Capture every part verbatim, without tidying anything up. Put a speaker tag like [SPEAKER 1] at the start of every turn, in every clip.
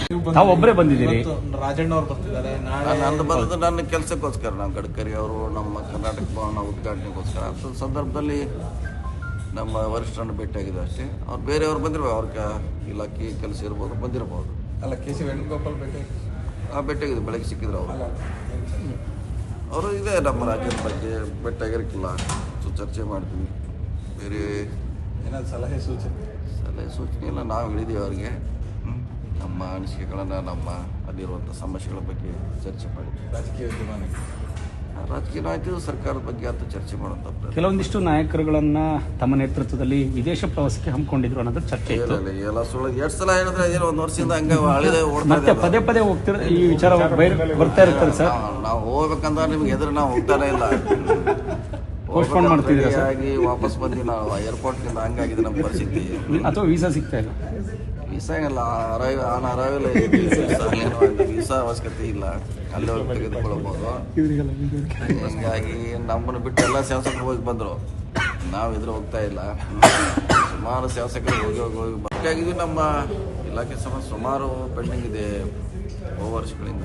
[SPEAKER 1] ತಾವು ಒಬ್ಬರೇ ಬಂದಿದ್ದೀರಿ?
[SPEAKER 2] ರಾಜಣ್ಣ ಅವ್ರು ಬರ್ತಿದ್ದಾರೆ.
[SPEAKER 3] ನಂದು ಬಂದದ್ದು ನನ್ನ ಕೆಲಸಕ್ಕೋಸ್ಕರ, ನಾವು ಗಡ್ಕರಿ ಅವರು ನಮ್ಮ ಕರ್ನಾಟಕ ಭವನ ಉದ್ಘಾಟನೆಗೋಸ್ಕರ. ಅಂಥ ಸಂದರ್ಭದಲ್ಲಿ ನಮ್ಮ ವರಿಷ್ಠರನ್ನು ಭೇಟಿಯಾಗಿದೆ ಅಷ್ಟೇ. ಅವ್ರು ಬೇರೆಯವ್ರು ಬಂದಿರ್ಬೋದು, ಅವ್ರ ಇಲಾಖೆ ಕೆಲಸ ಇರ್ಬೋದು, ಬಂದಿರ್ಬೋದು.
[SPEAKER 2] ಅಲ್ಲ, ಕೆ ಸಿ ವೇಣುಗೋಪಾಲ್ ಭೇಟಿ
[SPEAKER 3] ಆ ಭೇಟಿಯಾಗಿದೆ, ಬೆಳಗ್ಗೆ ಸಿಕ್ಕಿದ್ರು ಅವರು. ಅವರು ಇದೆ ನಮ್ಮ ರಾಜ್ಯದ ಬಗ್ಗೆ ಭೇಟಿಯಾಗಿರಕ್ಕಿಲ್ಲ, ಸೊ ಚರ್ಚೆ ಮಾಡ್ತೀವಿ. ಬೇರೆ
[SPEAKER 2] ಏನಾದ್ರು ಸಲಹೆ ಸೂಚನೆ
[SPEAKER 3] ಸಲಹೆ ಸೂಚನೆ ಇಲ್ಲ, ನಾವು ಹೇಳಿದ್ದೀವಿ ಅವ್ರಿಗೆ. ನಮ್ಮ ಅನಿಸಿಕೆಗಳನ್ನು, ನಮ್ಮ ಅಲ್ಲಿರುವಂಥ ಸಮಸ್ಯೆಗಳ ಬಗ್ಗೆ ಚರ್ಚೆ ಮಾಡಿದ್ವಿ.
[SPEAKER 2] ರಾಜಕೀಯ ವಿದ್ಯಮಾನ
[SPEAKER 3] ರಾಜಕೀಯ ನಾಯಕರು ಸರ್ಕಾರದ ಬಗ್ಗೆ ಅಂತ ಚರ್ಚೆ ಮಾಡುವಂಥ
[SPEAKER 1] ಕೆಲವೊಂದಿಷ್ಟು ನಾಯಕರುಗಳನ್ನ ತಮ್ಮ ನೇತೃತ್ವದಲ್ಲಿ ವಿದೇಶ ಪ್ರವಾಸಕ್ಕೆ ಹಮ್ಮಿಕೊಂಡಿದ್ರು ಅನ್ನೋದು ಚರ್ಚೆ ಇತ್ತು.
[SPEAKER 3] ಎಲ್ಲ ಸುಳ್ಳು. ಎರಡು ಸಲ ಹೇಳಿದ್ರೆ ಏನೋ ಒಂದು ವರ್ಷದಿಂದ ಹಂಗೆ ಹಳಿದೆ
[SPEAKER 1] ಮತ್ತೆ ಪದೇ ಪದೇ ಹೋಗ್ತಿರ ಈ ವಿಚಾರ ಬರ್ತಾ ಇರ್ತಾರೆ ಸರ್.
[SPEAKER 3] ನಾವು ಹೋಗ್ಬೇಕಂದ್ರೆ ನಿಮ್ಗೆ ಎದುರು ನಾವು ಹೋಗ್ತಾನೆ ಇಲ್ಲ,
[SPEAKER 1] ಪೋಸ್ಟ್ಪೋನ್ ಮಾಡ್ತಿದ್ದೀರಾ ಸರ್?
[SPEAKER 3] ಆಗಿ ವಾಪಸ್ ಬಂದು ನಾವು ಏರ್ಪೋರ್ಟ್ನಿಂದ ಹಂಗಾಗಿದೆ ನಮ್ಮ ಪರಿಸ್ಥಿತಿ.
[SPEAKER 1] ಅಥವಾ ವೀಸಾ ಸಿಗ್ತಾ ಇಲ್ಲ?
[SPEAKER 3] ವೀಸಾ ಇಲ್ಲ, ಅರೈವ್ ಆನ್ ಅರೈವಲ್ ವೀಸಾ ಅವಶ್ಯಕತೆ ಇಲ್ಲ, ಅಲ್ಲೇ ಹೋಗಿ ತೆಗೆದುಕೊಳ್ಬೋದು. ಹೀಗಾಗಿ ನಮ್ಮನ್ನು ಬಿಟ್ಟು ಎಲ್ಲ ಶಾಸಕರು ಹೋಗಿ ಬಂದರು, ನಾವು ಇದ್ರೆ ಹೋಗ್ತಾ ಇಲ್ಲ. ಸುಮಾರು ಶಾಸಕರು ಹೋಗಿ ಹೋಗಿ ಹೋಗಿ ಭೇಟಿಯಾಗಿದ್ವಿ. ನಮ್ಮ ಇಲಾಖೆ ಸಮ ಸುಮಾರು ಪೆಂಡಿಂಗ್ ಇದೆ ಬಹು ವರ್ಷಗಳಿಂದ.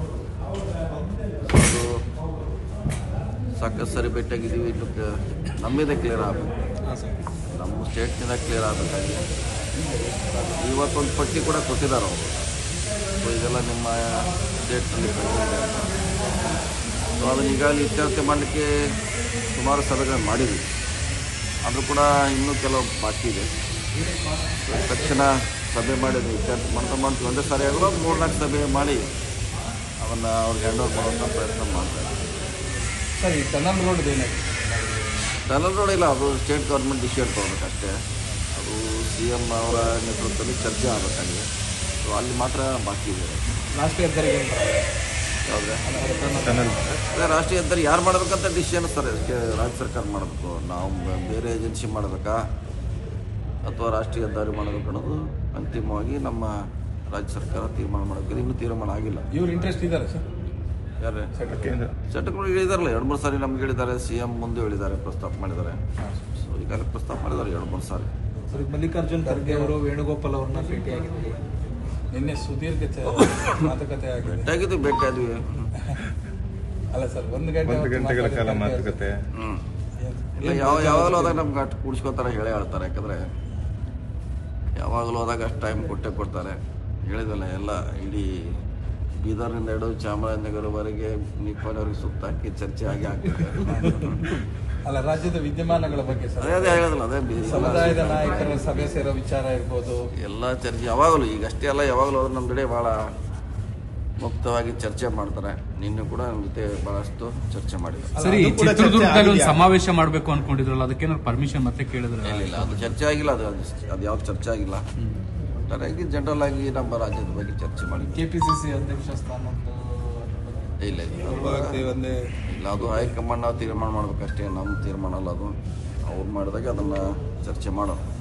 [SPEAKER 3] ಸಾಕಷ್ಟು ಸರಿ ಭೇಟಿಯಾಗಿದ್ದೀವಿ. ಇನ್ನು ನಮ್ಮಿಂದ ಕ್ಲಿಯರ್ ಆಗಬೇಕು, ನಮ್ಮ ಸ್ಟೇಟ್ನಿಂದ ಕ್ಲಿಯರ್ ಆಗಬೇಕಾಗಿದೆ. ಇವತ್ತೊಂದು ಪಟ್ಟಿ ಕೂಡ ಕೊಟ್ಟಿದ್ದಾರೆ ಅವರು, ಸೊ ಇದೆಲ್ಲ ನಿಮ್ಮ ಸ್ಟೇಟ್ನಲ್ಲಿ ಬಂದಿದೆ ಅಂತ. ಸೊ ಅದನ್ನು ಈಗಾಗಲೇ ಇತ್ಯರ್ಥ ಮಾಡಲಿಕ್ಕೆ ಸುಮಾರು ಸಭೆಗಳನ್ನು ಮಾಡಿದ್ವಿ, ಆದರೂ ಕೂಡ ಇನ್ನೂ ಕೆಲವು ಬಾಕಿ ಇದೆ. ತಕ್ಷಣ ಸಭೆ ಮಾಡಿದ್ವಿ, ಇತ್ಯರ್ಥ ಮಾಡ್ತಾ ಮಾಡ್ತೀವಿ. ಒಂದೇ ಸಾರಿ ಆಗೋ ಮೂರ್ನಾಲ್ಕು ಸಭೆ ಮಾಡಿ ಅದನ್ನು ಅವ್ರಿಗೆ ಹ್ಯಾಂಡ್ ಓವರ್ ಮಾಡುವಂಥ ಪ್ರಯತ್ನ ಮಾಡ್ತಾರೆ.
[SPEAKER 2] ಸರ್, ಈ ಟನಲ್ ರೋಡ್ ಏನಾಗಿದೆ?
[SPEAKER 3] ಟನಲ್ ರೋಡ್ ಇಲ್ಲ, ಅದು ಸ್ಟೇಟ್ ಗೌರ್ಮೆಂಟ್ ಡಿಸಿಷನ್ ತೊಗೊಬೇಕಷ್ಟೇ. ಅದು ಸಿ ಎಮ್ ಅವರ ನೇತೃತ್ವದಲ್ಲಿ ಚರ್ಚೆ ಆಗಬೇಕಾಗಿದೆ. ಸೊ ಅಲ್ಲಿ ಮಾತ್ರ ಬಾಕಿ ಇದೆ.
[SPEAKER 2] ರಾಷ್ಟ್ರೀಯ ಹೆದ್ದಾರಿಗೆ
[SPEAKER 3] ಯಾವುದೇ ಅದೇ ರಾಷ್ಟ್ರೀಯ ಹೆದ್ದಾರಿ ಯಾರು ಮಾಡಬೇಕಂತ ಡಿಸಿಷನ್ ಸರ್, ಅದಕ್ಕೆ ರಾಜ್ಯ ಸರ್ಕಾರ ಮಾಡಬೇಕು. ನಾವು ಬೇರೆ ಏಜೆನ್ಸಿ ಮಾಡಬೇಕಾ ಅಥವಾ ರಾಷ್ಟ್ರೀಯ ಹೆದ್ದಾರಿ ಮಾಡಬೇಕು ಅನ್ನೋದು ಅಂತಿಮವಾಗಿ ನಮ್ಮ ರಾಜ್ಯ ಸರ್ಕಾರ ತೀರ್ಮಾನ ಮಾಡಬೇಕು. ಇನ್ನೂ ತೀರ್ಮಾನ ಆಗಿಲ್ಲ.
[SPEAKER 2] ಇವ್ರು ಇಂಟ್ರೆಸ್ಟ್ ಇದ್ದಾರೆ ಸರ್?
[SPEAKER 3] ಯಾರೇ ಚಟಗಳು ಹೇಳಿದಾರಲ್ಲ, ಎರಡು ಮೂರು ಸಾರಿ ನಮ್ಗೆ ಹೇಳಿದ್ದಾರೆ, ಸಿ ಎಂ ಮುಂದೆ ಹೇಳಿದ್ದಾರೆ, ಪ್ರಸ್ತಾಪ ಮಾಡಿದ್ದಾರೆ. ಸೊ ಈಗಾಗಲೇ ಪ್ರಸ್ತಾಪ ಮಾಡಿದ್ದಾರೆ ಎರಡು ಮೂರು ಸಾರಿ.
[SPEAKER 2] ಸರ್, ಮಲ್ಲಿಕಾರ್ಜುನ್ ಖರ್ಗೆ ಅವರು ವೇಣುಗೋಪಾಲ್ ಅವ್ರನ್ನ ಭೇಟಿಯಾಗಿದ್ದಾರೆ. ನಿನ್ನೆ ಸುದೀರ್ಘ ಮಾತುಕತೆ ಆಗಿದೆ.
[SPEAKER 3] ಭೇಟಿಯಾಗಿದ್ವಿ ಭೇಟಿಯಾದ್ವಿ
[SPEAKER 2] ಅಲ್ಲ ಸರ್, ಒಂದು ಗಂಟೆ ಒಂದು ಗಂಟೆಗಳ ಕಾಲ ಮಾತುಕತೆ.
[SPEAKER 3] ಹ್ಞೂ ಇಲ್ಲ, ಯಾವ ಯಾವಾಗಲೂ ಹೋದಾಗ ನಮ್ಗೆ ಅಷ್ಟು ಕೂಡಿಸ್ಕೊತಾರೆ, ಹೇಳೇ ಹೇಳ್ತಾರೆ. ಯಾಕಂದರೆ ಯಾವಾಗಲೂ ಹೋದಾಗ ಅಷ್ಟು ಟೈಮ್ ಕೊಟ್ಟೆ ಕೊಡ್ತಾರೆ. ಹೇಳಿದಲ್ಲ, ಎಲ್ಲ ಇಡೀ ಬೀದರ್ನಿಂದ ಹಿಡಿದು ಚಾಮರಾಜನಗರವರೆಗೆ ನಿಪ್ಪಾಣಿವರೆಗೆ ಸುತ್ತ ಹಾಕಿ ಚರ್ಚೆ ಆಗಿ ಆಗ್ತದೆ.
[SPEAKER 2] ಅಲ್ಲ, ರಾಜ್ಯದ ವಿದ್ಯಮಾನಗಳ ಬಗ್ಗೆ ಸರ್
[SPEAKER 3] ಅದೇ ಅದೇ ಹೇಳೋದಿಲ್ಲ, ಅದೇ
[SPEAKER 2] ಸಮುದಾಯದ ನಾಯಕರ ಸಭೆ ಸೇರೋ ವಿಚಾರ ಇರ್ಬೋದು,
[SPEAKER 3] ಎಲ್ಲ ಚರ್ಚೆ ಯಾವಾಗಲೂ, ಈಗ ಅಷ್ಟೇ ಅಲ್ಲ, ಯಾವಾಗಲೂ ಹೋದ್ರೆ ನಮ್ಮ ಕಡೆ ಭಾಳ ಮುಕ್ತವಾಗಿ ಚರ್ಚೆ ಮಾಡ್ತಾರೆ. ನಿನ್ನೆ ಕೂಡ ನಮ್ಮ ಜೊತೆ ಬಹಳಷ್ಟು ಚರ್ಚೆ ಮಾಡಿದ್ರು.
[SPEAKER 4] ಸರಿ, ಚಿತ್ರದುರ್ಗದಲ್ಲಿ ಒಂದು ಸಮಾವೇಶ ಮಾಡಬೇಕು ಅನ್ಕೊಂಡಿದ್ರಲ್ಲ, ಅದಕ್ಕೇನಾದ್ರು ಪರ್ಮಿಷನ್ ಮತ್ತೆ ಕೇಳಿದ್ರೆ?
[SPEAKER 3] ಇಲ್ಲ, ಅದು ಚರ್ಚೆ ಆಗಿಲ್ಲ. ಅದು ಅದು ಯಾವ್ದು ಚರ್ಚೆ ಆಗಿಲ್ಲ. ಒಟ್ಟಾರೆಯಾಗಿ ಜನರಲ್ ಆಗಿ ನಮ್ಮ ರಾಜ್ಯದ ಬಗ್ಗೆ ಚರ್ಚೆ ಮಾಡಿ.
[SPEAKER 2] ಕೆಪಿಸಿಸಿ ಅಧ್ಯಕ್ಷ ಸ್ಥಾನ
[SPEAKER 3] ಇಲ್ಲ ಇಲ್ಲ ಇಲ್ಲ, ಅದು ಹೈಕಮಾಂಡ್ ನಾವು ತೀರ್ಮಾನ ಮಾಡ್ಬೇಕಷ್ಟೇ, ನಮ್ಮ ತೀರ್ಮಾನ ಅಲ್ಲ ಅದು. ಅವ್ರು ಮಾಡಿದಾಗ ಅದನ್ನು ಚರ್ಚೆ ಮಾಡೋದು.